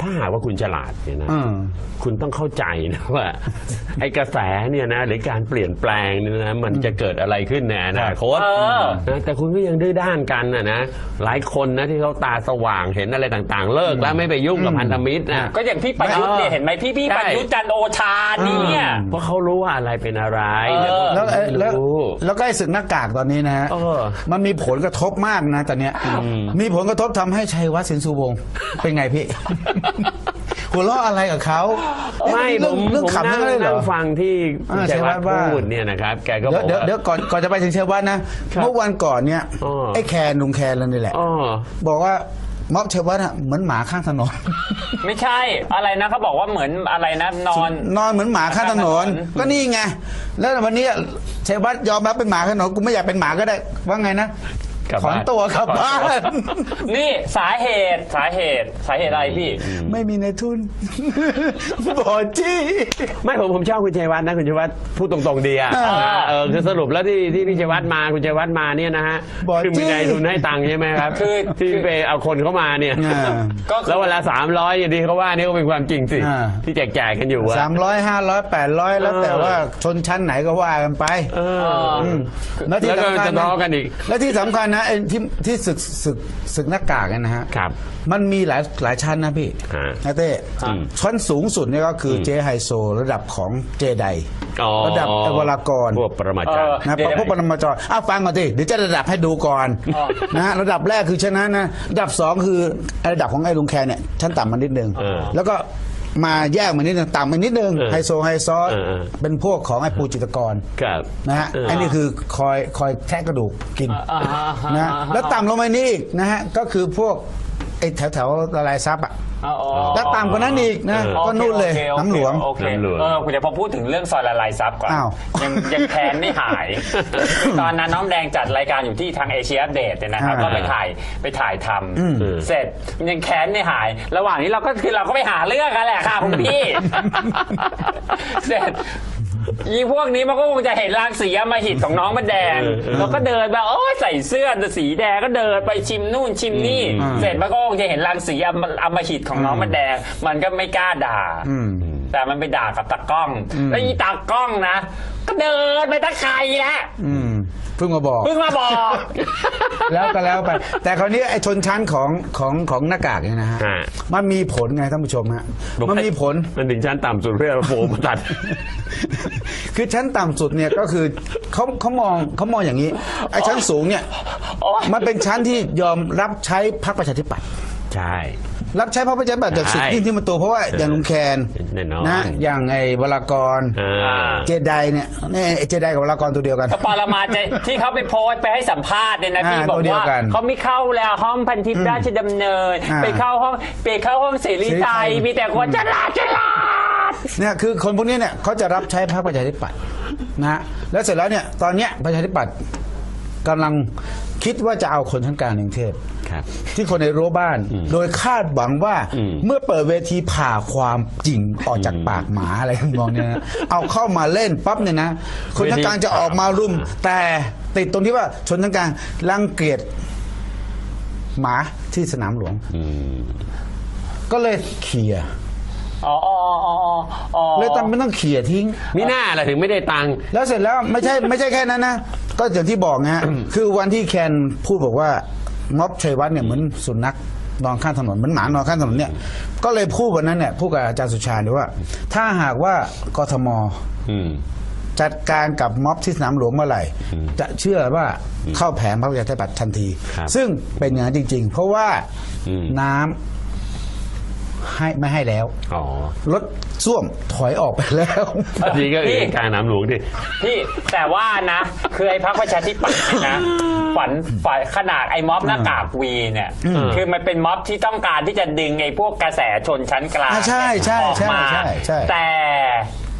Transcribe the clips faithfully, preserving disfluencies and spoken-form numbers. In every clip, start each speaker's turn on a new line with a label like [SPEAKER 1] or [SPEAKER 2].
[SPEAKER 1] ถ้าหากว่าคุณฉลาดเนี่ยนะคุณต้องเข้าใจนะว่าไอ้กระแสเนี่ยนะหรือการเปลี่ยนแปลงเนี่ยนะมันจะเกิดอะไรขึ้นในอนาคตนะแต่คุณก็ยังดื้อด้านกันนะนะหลายคนนะที่เขาตาสว่างเห็นอะไรต่างๆเลิกแล้วไม่ไปยุ่งกับพันธมิตรนะ
[SPEAKER 2] ก็อย่างพี่ประยุทธ์เนี่ยเห็นไหมพี่พี่ประยุทธ์จันทร์โอชาเนี่ย
[SPEAKER 1] เพราะเขารู้ว่าอะไรเป็นอะไร
[SPEAKER 3] แล้วแล้วแล้วก็ไอ้ศึกหน้ากากตอนนี้นะฮะมันมีผลกระทบมากนะตอนเนี้ยมีผลกระทบทำให้ชัยวัฒน์สินสุวงศ์เป็นไงพี่หัวเราะอะไรกับเขา
[SPEAKER 1] ไม่ผมเรื่องขำนั่งนั่งฟังที่ชัยวัฒน์พูดเนี่ยนะครับแกก็บอก
[SPEAKER 3] เดี๋ยวเดี๋ยวก่อนก่อนจะไปถึงชัยวัฒน์นะเมื่อวันก่อนเนี่ยไอ้แคนลุงแคนแล้วนี่แหละบอกว่าม็อบชัยวัฒน์เหมือนหมาข้างถนน
[SPEAKER 2] ไม่ใช่อะไรนะเขาบอกว่าเหมือนอะไรนะนอน
[SPEAKER 3] นอนเหมือนหมาข้างถนนก็นี่ไงแล้ววันนี้ชัยวัฒน์ยอมรับเป็นหมาข้างถนนกูไม่อยากเป็นหมาก็ได้ว่าไงนะถอนตัวกลับบ้าน
[SPEAKER 2] นี่สาเหตุสาเหตุสาเหตุอะไรพี่
[SPEAKER 3] ไม่มีในทุนบอจี้
[SPEAKER 1] ไม่ผมผมชอบคุณชัยวัฒน์นะคุณชัยวัฒน์พูดตรงๆดีอ่ะเออคือสรุปแล้วที่ที่พี่ชัยวัฒน์มาคุณชัยวัฒน์มาเนี่ยนะฮะคือมีในทุนให้ตังค์ใช่ไหมครับคือที่ไปเอาคนเข้ามาเนี่ยแล้วเวลาสามร้อยอย่างที่เขาว่านี่ก็เป็นความจริงสิที่แจกแจกกันอยู่
[SPEAKER 3] สามร้อยห้าร้อยแปดร้อยแล้วแต่ว่าชนชั้นไหนก็ว่ากันไป
[SPEAKER 1] แล้วที่สำคัญกันอีก
[SPEAKER 3] แล้วที่สำคัญนะไอ้ที่ที่ศึกศึกศึกหน้ากากนะฮะ
[SPEAKER 1] ครับ
[SPEAKER 3] มันมีหลายหลายชั้นนะพี่นะเต้ชั้นสูงสุดนี่ก็คือเจไฮโซระดับของเจไดระดับเอวรากร
[SPEAKER 1] พวกปรมาจารย์
[SPEAKER 3] นะพวกปรมาจารย์อ้าวฟังก่อนสิเดี๋ยวจะระดับให้ดูก่อนนะระดับแรกคือชั้นนั้นนะระดับสองคือระดับของไอ้ลุงแคนเนี่ยชั้นต่ำมานิดนึงแล้วก็มาแยกมานิดนึงต่ำมานิดนึงไฮโซไฮซอสเป็นพวกของไอ้ปูจิตรกรนะฮะไอ้นี่คือคอยคอยแทะกระดูกกินนะแล้วต่ำลงมานี่อีกนะฮะก็คือพวกไอ้แถวแถวละลายซับอ่ะแล้วต่ำกว่านั้นอีกนะก็นู่นเลยน้ำหลวง
[SPEAKER 2] เออคุณจะพอพูดถึงเรื่องซอยละลายซับก่อนยังยังแค้นไม่หายตอนนั้นน้องแดงจัดรายการอยู่ที่ทางเอเชียอัปเดตเนี่ยนะครับก็ไปถ่ายไปถ่ายทำเสร็จยังแค้นไม่หายระหว่างนี้เราก็คือเราก็ไปหาเรื่องกันแหละค่ะคุณพี่เสร็จยีพวกนี้มันก็คงจะเห็นรังสีอำมหิตของน้องมันแดงเราก็เดินไปโอ้ยใส่เสื้อสีแดงก็เดินไปชิมนู่นชิมนี่เสร็จมันก็คงจะเห็นรังสีอำมหิตของน้องมันแดงมันก็ไม่กล้าด่าแต่มันไปด่ากับตากล้องแล้วอีตากล้องนะก็เดินไปตะไคร้แล้ว
[SPEAKER 3] เพิ่งมาบอก
[SPEAKER 2] เพิ่งมาบอก
[SPEAKER 3] แล้วก็แล้วไปแต่คราวนี้ไอ้ชนชั้นของของของหน้ากากเนี่ยนะฮะมันมีผลไงท่านผู้ชมฮะมันมีผล
[SPEAKER 1] มันถึงชั้นต่ำสุดเพื่อโฟมตัด
[SPEAKER 3] คือชั้นต่ำสุดเนี่ยก็คือเขาเขามองเขามองอย่างนี้ไอ้ชั้นสูงเนี่ยมันเป็นชั้นที่ยอมรับใช้พรรคประชาธิปัตย์
[SPEAKER 1] ใช่
[SPEAKER 3] รับใช้พรรคประชาธิปัตย์จากสุดที่ที่มันตัวเพราะว่าอย่างลุงแคนนะอย่างไอ้วรากรเจไดเนี่ยนี่เจไดกับวรากรตัวเดียวกัน
[SPEAKER 2] ปรมาจารย์ที่เขาไปโพสไปให้สัมภาษณ์เนี่ยนะพี่บอกว่าเขาไม่เข้าแล้วห้องพันทิพย์ราชดำเนินไปเข้าห้องไปเข้าห้องเสรีไทยมีแต่คนฉลาดฉลาด
[SPEAKER 3] เนี่ยคือคนพวกนี้เนี่ยเขาจะรับใช้พรรคประชาธิปัตย์นะแล้วเสร็จแล้วเนี่ยตอนเนี้ยประชาธิปัตย์กำลังคิดว่าจะเอาคนทั้งกลางกรุงเทพที่คนในรั้วบ้านโดยคาดหวังว่าเมื่อเปิดเวทีผ่าความจริงออกจากปากหมาอะไรมองเนี่ยนะเอาเข้ามาเล่นปั๊บเนี่ยนะคนทั้งกลางจะออกมารุมแต่ติดตรงที่ว่าชนทั้งกลางรังเกียจหมาที่สนามหลวงก็เลยเขี่ย
[SPEAKER 2] อ๋ออ๋ออ๋อ
[SPEAKER 3] เลยต้องไม่ต้องเขี่ยทิ้ง
[SPEAKER 1] มิน่าอะไรถึงไม่ได้ตังค์
[SPEAKER 3] แล้วเสร็จแล้วไม่ใช่ไม่ใช่แค่นั้นนะก็อย่างที่บอกนะคือวันที่แคนพูดบอกว่าม็อบชัยวัฒน์เนี่ยเหมือนสุนัขนอนข้างถนนเหมือนหมานอนข้างถนนเนี่ยก็เลยพูดวันนั้นเนี่ยพูดกับอาจารย์สุชาติว่าถ้าหากว่ากทมจัดการกับม็อบที่สนามหลวงเมื่อไหร่จะเชื่อว่าเข้าแผงพรรคประชาธิปัตย์ทันทีซึ่งเป็นอย่างนั้นจริงๆเพราะว่าน้ำให้ไม่ให้แล้วรถส้วมถอยออกไปแล้ว
[SPEAKER 1] นี่ก็คือกลางน้ำหลวงดิ
[SPEAKER 2] พี่แต่ว่านะคือไอ้พรรคประชาธิปัตย์นะฝันฝ่ายขนาดไอ้ม็อบหน้ากากวีเนี่ยคือมันเป็นม็อบที่ต้องการที่จะดึงไอ้พวกกระแสชนชั้นกลาง
[SPEAKER 3] ใช่ใช่ใช่ใช่
[SPEAKER 2] แต่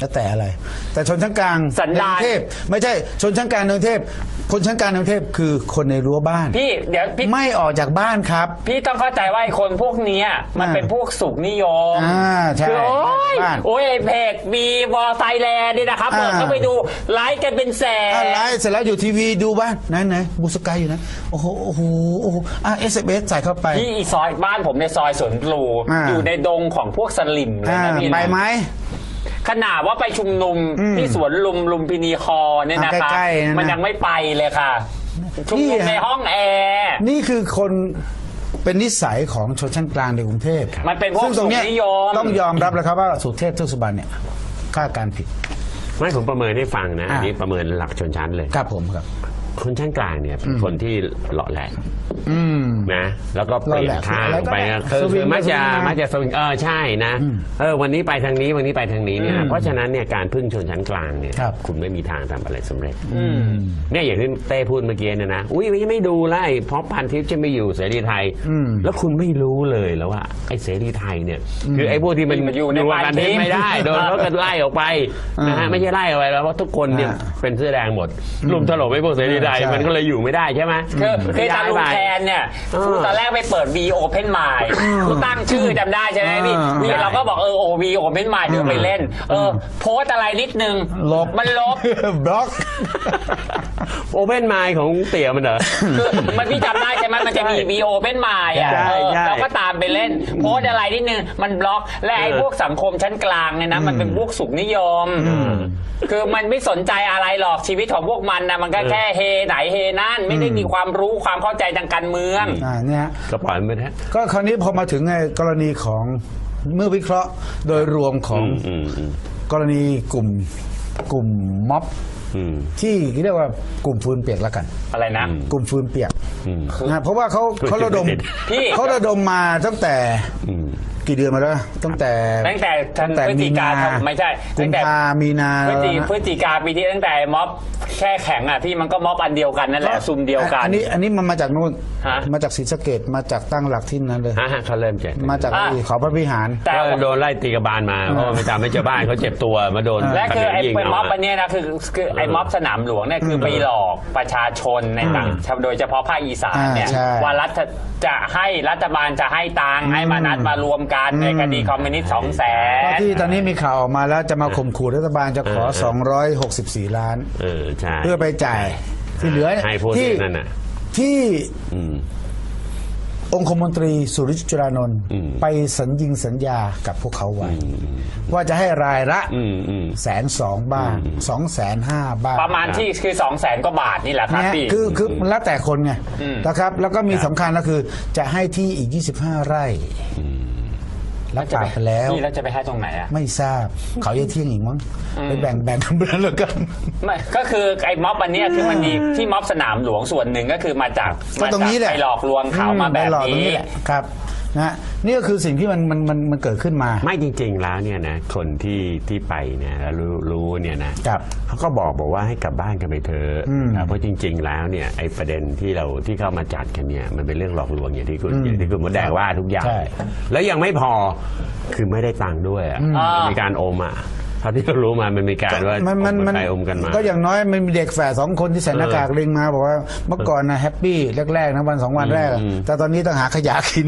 [SPEAKER 3] แล้วแต่อะไร แต่ชนชั้นกลาง
[SPEAKER 2] สันดาน
[SPEAKER 3] ในกรุงเทพไม่ใช่ชนชั้นกลางในกรุงเทพคนชั้นกลางในกรุงเทพคือคนในรั้วบ้าน
[SPEAKER 2] พี่เดี๋ยวพี่
[SPEAKER 3] ไม่ออกจากบ้านครับ
[SPEAKER 2] พี่ต้องเข้าใจว่าไอ้คนพวกเนี้ยมันเป็นพวกสุขนิยม
[SPEAKER 3] อ่าใช่
[SPEAKER 2] คือโอ้ย
[SPEAKER 3] บ้าน
[SPEAKER 2] โอ้ยไอ้เพจมีวอลไซแลนด์นี่นะครับ
[SPEAKER 3] อ่า
[SPEAKER 2] เปิดเข้าไปดูไลค์กันเป็นแสน
[SPEAKER 3] อะไรเสร็จแล้วอยู่ทีวีดูบ้านไหนไหนบูสกายอยู่นะโอ้โหโอ้โหโอ้โหอ่ะเอสเอสใส่เข้าไป
[SPEAKER 2] ที่อีซอยบ้านผมในซอยสวนปลู
[SPEAKER 3] อ่า
[SPEAKER 2] อยู่ในดงของพวกสลิมเลย
[SPEAKER 3] อ่า
[SPEAKER 2] นะพี่นะ
[SPEAKER 3] ไปไหม
[SPEAKER 2] ขนาดว่าไปชุมนุม
[SPEAKER 3] อืม
[SPEAKER 2] ที่สวนลุมลุมพินีคอเนี่ยนะ
[SPEAKER 3] อ่า
[SPEAKER 2] คะ
[SPEAKER 3] ใกล้ๆนั่นนะ
[SPEAKER 2] มันยังไม่ไปเลยค่ะ ชุมนุม
[SPEAKER 3] นี่ฮะ
[SPEAKER 2] ในห้องแอร์
[SPEAKER 3] นี่คือคนเป็นนิสัยของชนชั้นกลางในกรุงเทพ
[SPEAKER 2] มันเป็นพวก
[SPEAKER 3] ซึ่งตรงเนี้ย
[SPEAKER 2] สุขนิยม
[SPEAKER 3] ต้องยอมรับแล้วครับว่าสุเทพเทือกสุบรรณเนี่ยคาดการณ์ผิด
[SPEAKER 1] ไม่ผมประเมินให้ฟังนะ
[SPEAKER 3] อ่า
[SPEAKER 1] อันนี้ประเมินหลักชนชั้นเลย
[SPEAKER 3] ครับผมครับ
[SPEAKER 1] คนชั้นกลางเนี่ยเป็นคนที่หล่อแหลก
[SPEAKER 3] อืม
[SPEAKER 1] นะแล้วก็เปลี่ยนทาง
[SPEAKER 3] หล่อแหลก
[SPEAKER 1] ไป
[SPEAKER 3] อะไรก็
[SPEAKER 1] นะ
[SPEAKER 3] ได้
[SPEAKER 1] คือ
[SPEAKER 3] สวิง
[SPEAKER 1] คือมักจะ
[SPEAKER 3] สวิงมา
[SPEAKER 1] มักจะสวิงเออใช่นะเออวันนี้ไปทางนี้วันนี้ไปทางนี้เนี่ย
[SPEAKER 3] อืม
[SPEAKER 1] เพราะฉะนั้นเนี่ยการพึ่งชนชั้นกลางเนี่ย
[SPEAKER 3] ครับ
[SPEAKER 1] คุณไม่มีทางทำอะไรสำเร็จเนี่ยอย่างที่เต้พูดเมื่อกี้เนี่ยนะอุ้ยไม่ไม่ดูไล่เพราะพันทิพย์จะไม่อยู่เสรีไทย
[SPEAKER 3] อืม
[SPEAKER 1] แล้วคุณไม่รู้เลยแล้วว่าไอ้เสรีไทยเนี่ยคือไอ้พวกที่มัน
[SPEAKER 2] มันอยู่ใน
[SPEAKER 1] กับพันทิพย์ไม่ได้โดนเขากันไล่ออกไปนะฮะไม่ใช่ไล่ออกไปแล้วเพราะทุกคนเนี่ย
[SPEAKER 3] อ่า
[SPEAKER 1] เป็นเสื้อแดงหมดรุมถล่มไอ้พวกเสรีไทย
[SPEAKER 3] ใช่
[SPEAKER 1] มันก็เลยอยู่ไม่ได้ใช่ไหม
[SPEAKER 2] คือคือตาลุงแทนเนี่ย
[SPEAKER 1] เออ
[SPEAKER 2] คือตอนแรกไปเปิด V Open Mind กูตั้งชื่อจำได้ใช่ไหมพี่
[SPEAKER 3] อ่า
[SPEAKER 2] นี่เราก็บอกเออโอ V Open Mind เดี๋ยวไปเล่น เออ โพสต์อะไรนิดนึง
[SPEAKER 3] ลบ
[SPEAKER 2] มันลบ
[SPEAKER 3] บล็อก
[SPEAKER 1] โอเ n นไมล์ของเตี่ยมันเหรอ
[SPEAKER 2] คือมันพี่จำได้ใช่ไหมมันจะมี V Open Mind อ่ะ
[SPEAKER 1] ใช่
[SPEAKER 2] เออ
[SPEAKER 1] ใช่
[SPEAKER 2] เราก็ตามไปเล่น โพสต์อะไรนิดนึง มันบล็อก และไอ้
[SPEAKER 1] เออ
[SPEAKER 2] พวกสังคมชั้นกลางเนี่ยนะ มันเป็นพวกสุขนิยม คือมันไม่สนใจอะไรหรอกชีวิตของพวกมันนะมันก็แค่เฮไหนเฮนั่นไม่ได้มีความรู้ความเข้าใจทางการเมือง
[SPEAKER 3] อ่าเนี่ย
[SPEAKER 1] ก็ปล่อยมันไปเถอะ
[SPEAKER 3] ก็คราวนี้พอมาถึงไอ้กรณีของเมื่อวิเคราะห์โดยรวมของ
[SPEAKER 1] อืมอืม
[SPEAKER 3] กรณีกลุ่มกลุ่มม็อบ
[SPEAKER 1] อืม
[SPEAKER 3] ที่เรียกว่ากลุ่มฟืนเปียกแล้วกัน
[SPEAKER 2] อะไรนะ
[SPEAKER 3] กลุ่มฟืนเปียก
[SPEAKER 1] อืม
[SPEAKER 3] นะเพราะว่าเขาเขาระดม
[SPEAKER 2] พี่
[SPEAKER 3] เขาระดมมาตั้งแต่
[SPEAKER 1] อืม
[SPEAKER 3] กี่เดือนมาแล้วตั้งแต่
[SPEAKER 2] ตั้งแต่
[SPEAKER 3] ตั้งแต่
[SPEAKER 2] พฤศ
[SPEAKER 3] มี
[SPEAKER 2] จิกา
[SPEAKER 3] นา
[SPEAKER 2] ไม่ใช่
[SPEAKER 3] กุ
[SPEAKER 2] ตั้
[SPEAKER 3] ม
[SPEAKER 2] งแต่
[SPEAKER 3] ภามีนา
[SPEAKER 2] พฤศจิ
[SPEAKER 3] แล้วนะ
[SPEAKER 2] พฤศจิกาปีที่ตั้งแต่ม็อบแค่แข็งอ่ะพี่มันก็ม็อบอันเดียวกันนั่นแหละซุมเดียวกัน
[SPEAKER 3] อันนี้อันนี้มันมาจากนู่น
[SPEAKER 2] ฮะ
[SPEAKER 3] มาจากศรีสะเกดมาจากตั้งหลักที่นั้นเลย
[SPEAKER 1] ฮะฮะเขาเริ่มเจ็บ
[SPEAKER 3] มาจาก
[SPEAKER 2] อ่ะ
[SPEAKER 3] ที่เขาพระวิหาร
[SPEAKER 2] แต่
[SPEAKER 1] ก็โดนไล่ตีกระบาลมาเพราะว่าไม่ตามไม่เจอบ้านเขาเจ็บตัวมาโดน
[SPEAKER 2] และคือไอ้
[SPEAKER 1] ยิง
[SPEAKER 2] ม็อบ
[SPEAKER 1] เา
[SPEAKER 2] อันเนี้ยนะคือคือไอ้ม็อบสนามหลวงเนี่ยคือไปหลอกประชาชนในต่างโดยเฉพาะภาคอีสานเนี่ย
[SPEAKER 3] อ่าใช่
[SPEAKER 2] ว่ารัฐจะให้รัฐบาลจะให้ตังค์ให้มานัดมารวมกันในคดีคอมมิวนิสต์สองแส
[SPEAKER 3] เพราะ
[SPEAKER 2] น
[SPEAKER 3] ที่ตอนนี้มีข่าวออกมาแล้วจะมาข่มขู่รัฐบาลจะขอ สองร้อยหกสิบสี่ ล้าน
[SPEAKER 1] เออใช่
[SPEAKER 3] เพื่อไปจ่ายที่เหลือเนี่ย
[SPEAKER 1] ให้พวก
[SPEAKER 3] ที่
[SPEAKER 1] นั่นน่ะ
[SPEAKER 3] ที่
[SPEAKER 1] อืม
[SPEAKER 3] องคมนตรีสุริจุรานนท์
[SPEAKER 1] อืม
[SPEAKER 3] ไปสัญญิงสัญญากับพวกเขาไว้ ว่าจะให้รายละ
[SPEAKER 1] อืมอืม
[SPEAKER 3] แสนสองบ้างสองแสนห้าบ้าง
[SPEAKER 2] ประมาณที่คือสองแสนกว่าบาทนี่แหละครับ
[SPEAKER 3] เนี่ย
[SPEAKER 2] พี่
[SPEAKER 3] คือคือมันแล้วแต่คนไง
[SPEAKER 2] อืม
[SPEAKER 3] นะครับ แล้วก็มีสำคัญก็คือจะให้ที่อีก ยี่สิบห้า ไร่รับปากไปแล้ว
[SPEAKER 2] พี่แล้วจะไปให้ตรงไหนอ่ะ
[SPEAKER 3] ไม่ทราบเขาจะเที่ยงอีกมั้งไปแบ่งแบ่งกันไปแล้วกัน
[SPEAKER 2] ไม่ก็คือไอ้ม็อบอันเนี้ยคือมันมีที่ม็อบสนามหลวงส่วนหนึ่งก็คือมาจาก
[SPEAKER 3] ก็ตรงนี้แหละ
[SPEAKER 2] ไปหลอกลวงเขามาแบบ
[SPEAKER 3] ไปหลอกตรง
[SPEAKER 2] นี้
[SPEAKER 3] นี้แหละครับนะนี่ก็คือสิ่งที่มันมันมันมันเกิดขึ้นมา
[SPEAKER 1] ไม่จริง ๆ แล้วเนี่ยนะคนที่ที่ไปเนี่ยแล้วรู้รู้เนี่ยนะครับ เขาก็บอกบอกว่าให้กลับบ้านกันไปเถอะ
[SPEAKER 3] อืม
[SPEAKER 1] นะเพราะจริง ๆ แล้วเนี่ยไอ้ประเด็นที่เราที่เข้ามาจัดกันเนี่ยมันเป็นเรื่องหลอกลวงอย่างที่คุณอย่างที่คุณมดแดงว่าทุกอย่าง
[SPEAKER 3] ใช่
[SPEAKER 1] แล้วยังไม่พอคือไม่ได้ตังค์ด้วยอ่ะ
[SPEAKER 2] อ่ามี
[SPEAKER 1] มีการโอมอ่ะเท่าที่เรารู้มามันมีการว่า
[SPEAKER 3] มันมันมัน
[SPEAKER 1] ไปอมกันมา
[SPEAKER 3] ก็อย่างน้อยมันมีเด็กแฝดสองคนที่ใส่หน้ากากลิงมาบอกว่าเมื่อก่อนนะแฮปปี้แรกๆนะวันสองวันแรกอะ
[SPEAKER 1] อืม
[SPEAKER 3] แต่ตอนนี้ต้องหาขยะกิน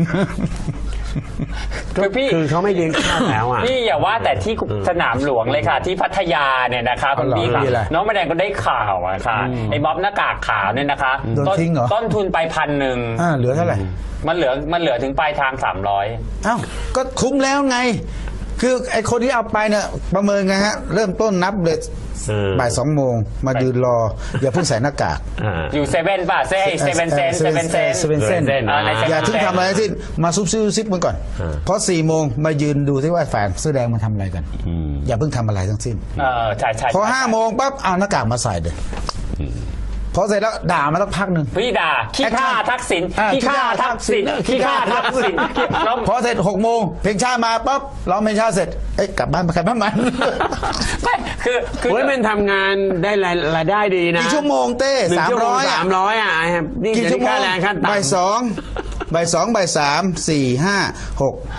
[SPEAKER 2] คือพี่
[SPEAKER 1] คือเขาไม่เลี้ยงข้าวแล้วอ่ะ
[SPEAKER 2] พี่อย่าว่าแต่ที่สนามหลวงเลยค่ะ ที่พัทยาเนี่ยนะคะคุณพี่
[SPEAKER 3] อ๋อเหรอ
[SPEAKER 2] ค่ะ
[SPEAKER 3] มีอะไร
[SPEAKER 2] น้องแม่แดงก็ได้ข่าวอะค่ะไอ้ม็อบหน้ากากขาวเนี่ยนะคะ
[SPEAKER 3] โดน
[SPEAKER 2] ต้น
[SPEAKER 3] ทิ้งเหรอ
[SPEAKER 2] ต้นทุนไปพันหนึ่ง
[SPEAKER 3] อ่าเหลือเท่าไหร่
[SPEAKER 2] มันเหลือมันเหลือถึงปลายทางสามร้อย
[SPEAKER 3] เอ้าก็คุ้มแล้วไง คือไอ้คนที่เอาไปเนี่ยประเมินไงฮะ เริ่มต้นนับเลย
[SPEAKER 1] เออ
[SPEAKER 3] บ่ายสองโมงมายืนรอ อย่าเพิ่งใส่หน้ากาก
[SPEAKER 1] อ่า
[SPEAKER 2] อยู่เซเว่นป่ะเซ่เซเว่นเซนเซเว่นเซน
[SPEAKER 3] เซเว่นเซน
[SPEAKER 1] เซเว่น
[SPEAKER 2] อ่าในเซ
[SPEAKER 3] อย่า
[SPEAKER 2] เว่น
[SPEAKER 3] ถึง
[SPEAKER 2] เซน
[SPEAKER 3] ทำอะไรทั้งสิ้นมาซุบซิบซุบซิบมันก่อน
[SPEAKER 1] อ่า
[SPEAKER 3] เพราะสี่โมงมายืนดูที่ว่าแฝงเสื้อแดงมันทำอะไรกัน
[SPEAKER 1] อืม
[SPEAKER 3] อย่าเพิ่งทำอะไรทั้งสิ้น
[SPEAKER 2] เออใช่ใช่
[SPEAKER 3] พอ
[SPEAKER 2] ใช่
[SPEAKER 3] ห้าโมงปั๊บเอาหน้ากากมาใส่เลยพอเสร็จแล้วด่ามาสักพักหนึ่ง
[SPEAKER 2] พี่ด่าขี้ข้าทักษิณ
[SPEAKER 3] อ่า
[SPEAKER 2] ขี้ข้าทักษิณขี้ข้าทักษิณแล้ว
[SPEAKER 3] พอเสร็จหกโมงเพลงชาติมาปั๊บร้องเพลงชาติเสร็จเอ้ยกลับบ้านไปใครบ้านมัน
[SPEAKER 2] ไม่คือคือ
[SPEAKER 1] เฮ้ยมันทำงานได้รายรายได้ดีนะ
[SPEAKER 3] กี่ชั่วโมงเต้
[SPEAKER 1] หนึ่ง
[SPEAKER 3] สาม
[SPEAKER 1] ชั่วโม
[SPEAKER 3] ร้
[SPEAKER 1] ง
[SPEAKER 3] อย
[SPEAKER 1] สามร้อยอ่ะไอ้ครับนี่
[SPEAKER 3] กี่
[SPEAKER 1] จะ
[SPEAKER 3] ชั่วโม
[SPEAKER 1] ค่าง แรงขั้นต่ำ
[SPEAKER 3] บ่ายสองบ่ายสองบ่ายสามสี่ห้าหก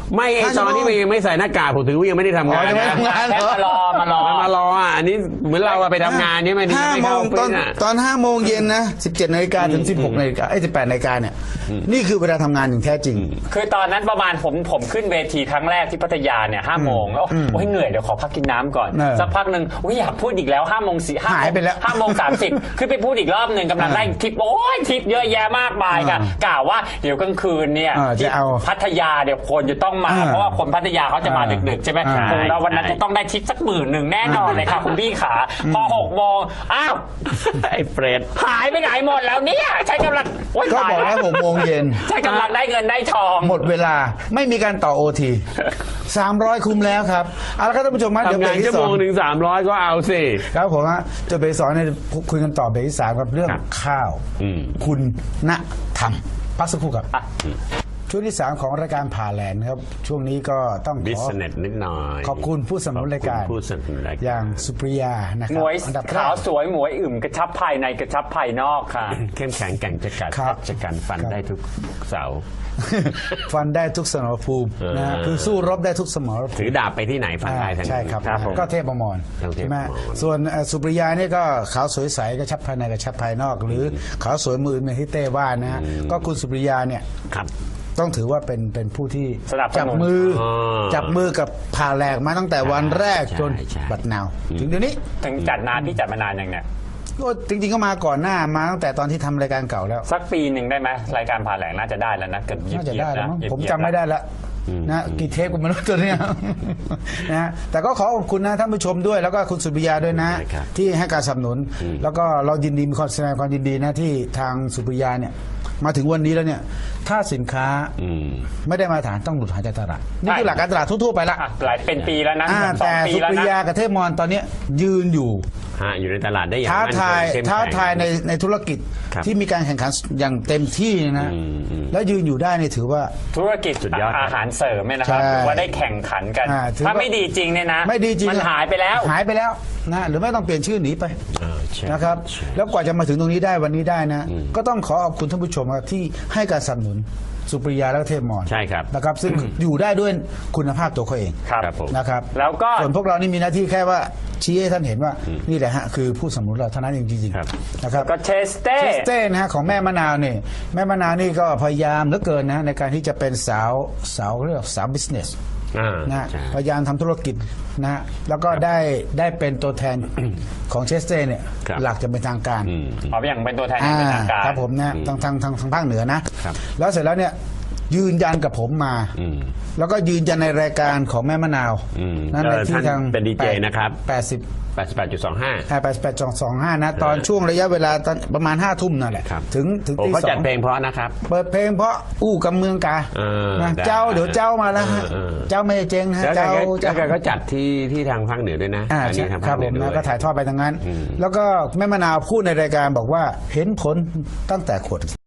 [SPEAKER 1] ไม่ไอ
[SPEAKER 3] ห้า
[SPEAKER 1] ต
[SPEAKER 3] ชั่ว
[SPEAKER 1] อน
[SPEAKER 3] โมง
[SPEAKER 1] ที่มันยังไม่ใส่หน้ากากผมถือว่ายังไม่ได้ทำงาน
[SPEAKER 3] อ๋อยังไม่
[SPEAKER 1] นะ
[SPEAKER 3] ทำงาน
[SPEAKER 2] แค่มารอมารอ
[SPEAKER 1] มันมารออ่ะอันนี้เหมือนเราอะไปทำงานเนี่ยมัน
[SPEAKER 3] ห้า
[SPEAKER 1] ไม่
[SPEAKER 3] โม
[SPEAKER 1] เข้าง
[SPEAKER 3] ตอน
[SPEAKER 1] ฟิตอะ
[SPEAKER 3] ตอนห้าโมงเย็นนะสิบเจ็ดนาฬิกาถึงสิบหกนาฬิกาไอ้สิบแปดนาฬิกาเนี่ยนี่คือเวลาทำงานอย่างแท้จริง
[SPEAKER 2] คือตอนนั้นประมาณผมผมขึ้นเวทีครั้งแรกที่พัทยาเนี่ยห้าโมงแล้วโอ้ยเหนื่อยเดี๋ยวขอพักกินน้ำก่อน
[SPEAKER 3] เออ
[SPEAKER 2] สักพักหนึ่งโอ้ยอยากพูดอีกแล้วห้าโมงสี่ห้า
[SPEAKER 3] หายไปแล้ว
[SPEAKER 2] ห้าโมงสามสิบขึ้นไปพูดอีกรอบหนึ่งกำลังได้ทิปโอ้ยทิปเยอะแยะมากมายค่ะกล่าวว่าเดี๋ยวกลางคืนเนี่ย
[SPEAKER 3] เออจะเอา
[SPEAKER 2] พัทยาเดี๋ยวคนจะต้องมา
[SPEAKER 3] เออ
[SPEAKER 2] เพราะว่าคนพัทยาเขาจะมาดึกๆใช่ไหม
[SPEAKER 3] ใช่
[SPEAKER 2] ผมเราวันนั้นจะต้องได้ทิปสักหมื่นหนึ่งแน่นอนเลยค่ะคุณพี่ขาพอหกโมงอ้าว
[SPEAKER 1] ไอ้เฟรด
[SPEAKER 2] หายไปไหนหมดแล้วเนี่ยใช้กำลังโอ๊ย
[SPEAKER 3] ก็
[SPEAKER 2] ตาย
[SPEAKER 3] บอกแล้วหกโมงเย็น
[SPEAKER 2] ใช้กำลังได้เงินได้ทอง
[SPEAKER 3] หมดเวลาไม่มีการต่อโอทีสามร้อยคุ้มแล้วครับเอาละครับท่านผู้ชมมาเดี๋ยว
[SPEAKER 1] ทำ
[SPEAKER 3] เบรง
[SPEAKER 1] าก น
[SPEAKER 3] ที่
[SPEAKER 1] ชั่ว
[SPEAKER 3] ส
[SPEAKER 1] โม
[SPEAKER 3] อง
[SPEAKER 1] งหนึ่งสามร้อยก็เอาสิ
[SPEAKER 3] ครับผมฮะจะเบรกสองเนี่ยคุยกันต่อเบรกที่สามครับเรื่อง
[SPEAKER 1] ครับ
[SPEAKER 3] ข้าว
[SPEAKER 1] อืม
[SPEAKER 3] คุณณธรรมพักสักครู่ครับช่วงที่สามของรายการผ่าแหลนครับช่วงนี้ก็ต้อง
[SPEAKER 1] บิ
[SPEAKER 3] ข
[SPEAKER 1] ส
[SPEAKER 3] อ
[SPEAKER 1] เนสนิดหน่อย
[SPEAKER 3] ขอบคุณผู้สนับสนุนรายการ
[SPEAKER 1] ขอบคุณผู้สนับสนุนรายการ
[SPEAKER 3] อย่างสุปริยานะค
[SPEAKER 2] ห
[SPEAKER 3] รั
[SPEAKER 2] ม
[SPEAKER 3] บ
[SPEAKER 2] วย
[SPEAKER 3] อันดับแร
[SPEAKER 2] ขาว
[SPEAKER 3] ก
[SPEAKER 2] สวยหมวยอึมกระชับภายในกระชับภายนอกค่ะ
[SPEAKER 1] เข้มแข็งแกร่งจะกัด
[SPEAKER 3] ครับ
[SPEAKER 1] จะกันฟัน
[SPEAKER 3] ครับ
[SPEAKER 1] ได้ทุกเสา
[SPEAKER 3] ฟันได้ทุกสมรภูมินะฮะ
[SPEAKER 1] เออ
[SPEAKER 3] คือสู้รบได้ทุกสมรภูมิ
[SPEAKER 1] ถือดาบไปที่ไหนฟันได้ทั้ง
[SPEAKER 3] ใช่ครับ
[SPEAKER 1] ครับผม
[SPEAKER 3] ก็เทพบมร
[SPEAKER 1] ทั้งเทพ
[SPEAKER 3] ใช่ไหม
[SPEAKER 1] บมร
[SPEAKER 3] ส่วนเอ่อสุปริยานี่ก็ขาวสวยใสกระชับภายในกระชับภายนอก หรือขาวสวยมือเหมือนที่เต้ว่านะฮะก็คุณสุปริยาเนี่ย
[SPEAKER 1] ครับ
[SPEAKER 3] ต้องถือว่าเป็นเป็นผู้ที่
[SPEAKER 2] สนับสนุน
[SPEAKER 3] จับมืออ
[SPEAKER 1] อ
[SPEAKER 3] จับมือกับผ่าแหลกมาตั้งแต่วันแรก
[SPEAKER 1] ใช่
[SPEAKER 3] จน
[SPEAKER 1] ใช่
[SPEAKER 3] บัดนาว ถึงเดี๋ยวนี้
[SPEAKER 2] ถึงจัดนานพี่จัดมานานยังเนี่ย
[SPEAKER 3] ก็จริงๆก็มาก่อนหน้ามาตั้งแต่ตอนที่ทำรายการเก่าแล้ว
[SPEAKER 2] สักปีหนึ่งได้ไหมรายการผ่าแหลงน่าจะได้แล้วนะเกือบยี่
[SPEAKER 3] น่า
[SPEAKER 2] สิ
[SPEAKER 3] จะ
[SPEAKER 2] บ
[SPEAKER 3] ได้แล้ว
[SPEAKER 2] นะ
[SPEAKER 3] มั้ง
[SPEAKER 2] เหยียบ
[SPEAKER 3] ผม
[SPEAKER 2] เหยียบ
[SPEAKER 3] จำไม่ได้ละนะกี่เทปก็ไม่รู้ตัวเนี้ย นะฮะแต่ก็ขอขอบคุณนะท่านผู้ชมด้วย แล้วก็คุณสุปริยาด้วยนะ
[SPEAKER 1] ใช่ครับ
[SPEAKER 3] ที่ให้การสนับสนุน แล้วก็เรายินดีมีความแสดงความยินดีนะที่ทางสุปริยาเนี่ยมาถึงวันนี้แล้วเนี่ย ถ้าสินค้า
[SPEAKER 1] อืม
[SPEAKER 3] ไม่ได้มาตรฐานต้องหลุดหายจากตลาดนี่คือหลักการตลาดทั่วๆไปละ
[SPEAKER 2] อ่ะหลายเป็นปีแล้วนะ
[SPEAKER 3] อ่า
[SPEAKER 2] สอง
[SPEAKER 3] แต่
[SPEAKER 2] ปี
[SPEAKER 3] สุ
[SPEAKER 2] แล้ว
[SPEAKER 3] ปริ
[SPEAKER 2] นะ
[SPEAKER 3] ยากับเทพมรตอนเนี้ยยืนอยู่
[SPEAKER 1] ฮะอยู่ในตลาดได้อย่าง
[SPEAKER 3] ท้า
[SPEAKER 1] มั่นคง
[SPEAKER 3] ทาย
[SPEAKER 1] เข้มแข็ง
[SPEAKER 3] ท้าทายในในธุรกิจ
[SPEAKER 1] ครับ
[SPEAKER 3] ที่มีการแข่งขันอย่างเต็มที่นะ
[SPEAKER 1] อืมอืม
[SPEAKER 3] แล้วยืนอยู่ได้นี่ถือว่า
[SPEAKER 2] ธุรกิจ
[SPEAKER 1] สุดยอดครับ
[SPEAKER 2] อาหารเสริมเนี่ยนะครับ
[SPEAKER 3] ใช่
[SPEAKER 2] ถือว่าได้แข่งขันกัน
[SPEAKER 3] อ่าถือว่า
[SPEAKER 2] ถ้าไม่ดีจริงเนี่ยนะ
[SPEAKER 3] ไม่ดีจริง
[SPEAKER 2] มันหายไปแล้ว
[SPEAKER 3] หายไปแล้วนะหรือไม่ต้องเปลี่ยนชื่อหนีไป
[SPEAKER 1] เออใช่
[SPEAKER 3] นะครับ
[SPEAKER 1] ใช่
[SPEAKER 3] แล้วกว่าจะมาถึงตรงนี้ได้วันนี้ได้นะ ก็ต้องขอขอบคุณท่านผู้ชมครับที่ให้การสนับสนุนสุปริยาและเทพมร
[SPEAKER 1] ใช่ครับ
[SPEAKER 3] นะครับ ซึ่งอยู่ได้ด้วยคุณภาพตัวเขาเอง
[SPEAKER 2] ครับ
[SPEAKER 1] ครับผม
[SPEAKER 3] นะครับ
[SPEAKER 2] แล้วก็
[SPEAKER 3] ส่วนพวกเรานี่มีหน้าที่แค่ว่าชี้ให้ท่านเห็นว่านี่แหละฮะคือผู้สนับสนุนเราเท่านั้นเองจริง
[SPEAKER 1] ครับ
[SPEAKER 3] ๆนะครับ
[SPEAKER 2] ก็เชสเต้
[SPEAKER 3] เชสเต้นะฮะของแม่มะนาวนี่แม่มะนาวนี่ก็พยายามเหลือเกินนะในการที่จะเป็นสาวสาวเรียกว่าสาวบิสเนส
[SPEAKER 1] อ่า
[SPEAKER 3] นะฮะ
[SPEAKER 1] ใช่
[SPEAKER 3] พยายามทำธุรกิจนะฮะแล้วก็ได้ได้เป็นตัวแทนของเชสเต้เนี่ย
[SPEAKER 1] ครับ
[SPEAKER 3] หลักจะเป็นทางการ
[SPEAKER 1] อืม
[SPEAKER 2] ขออย่างเป็นตัวแทนอ
[SPEAKER 3] อ่า
[SPEAKER 2] ย่างเป็นทางการ
[SPEAKER 3] ครับผมนะทางทางทางทางภาคเหนือนะครับ แล้วเสร็จแล้วเนี่ยยืนยันกับผมมา
[SPEAKER 1] อืม
[SPEAKER 3] แล้วก็ยืนยันในรายการของแม่มะนาว
[SPEAKER 1] อืม
[SPEAKER 3] นั่นใน
[SPEAKER 1] เออ
[SPEAKER 3] ที่
[SPEAKER 1] ท่าน
[SPEAKER 3] ทาง
[SPEAKER 1] เป็นดีเจนะครับ
[SPEAKER 3] แปดสิบ
[SPEAKER 1] แปดสิบแปดจุดสองห้า
[SPEAKER 3] แปดสิบแปดจองสองห้านะ ตอนช่วงระยะเวลาตอนประมาณห้าทุ่มนั่นแหละ
[SPEAKER 1] ครับ
[SPEAKER 3] ถึงถึง
[SPEAKER 1] โอ้
[SPEAKER 3] ตี
[SPEAKER 1] เขา
[SPEAKER 3] สอ
[SPEAKER 1] จัด
[SPEAKER 3] ง
[SPEAKER 1] เพลงเพราะนะครับ
[SPEAKER 3] เปิดเพลงเพราะอู้กับเมืองกา
[SPEAKER 1] เออ
[SPEAKER 3] นะ
[SPEAKER 1] ได้
[SPEAKER 3] เจ้าเดี๋ยวเจ้ามาแล้วฮะ
[SPEAKER 1] เออเออ
[SPEAKER 3] เจ้าไม่ได้เจ๊งนะฮะ
[SPEAKER 1] แล้วแก
[SPEAKER 3] เจ้า
[SPEAKER 1] ก็
[SPEAKER 3] เจ้า
[SPEAKER 1] แล้วแกก็จัดที่ที่ทางภาคเหนือด้วยนะ
[SPEAKER 3] อ่า
[SPEAKER 1] อัน
[SPEAKER 3] ใช่
[SPEAKER 1] นี้ทาง
[SPEAKER 3] ค
[SPEAKER 1] ภา
[SPEAKER 3] รั
[SPEAKER 1] ค
[SPEAKER 3] บ
[SPEAKER 1] เห
[SPEAKER 3] ผ
[SPEAKER 1] นือ
[SPEAKER 3] ม
[SPEAKER 1] ด้
[SPEAKER 3] นะ
[SPEAKER 1] วย
[SPEAKER 3] ก็ถ่ายทอดไปทางนั้น แล้วก็แม่มะนาวพูดในรายการบอกว่าเห็นผลตั้งแต่ขวด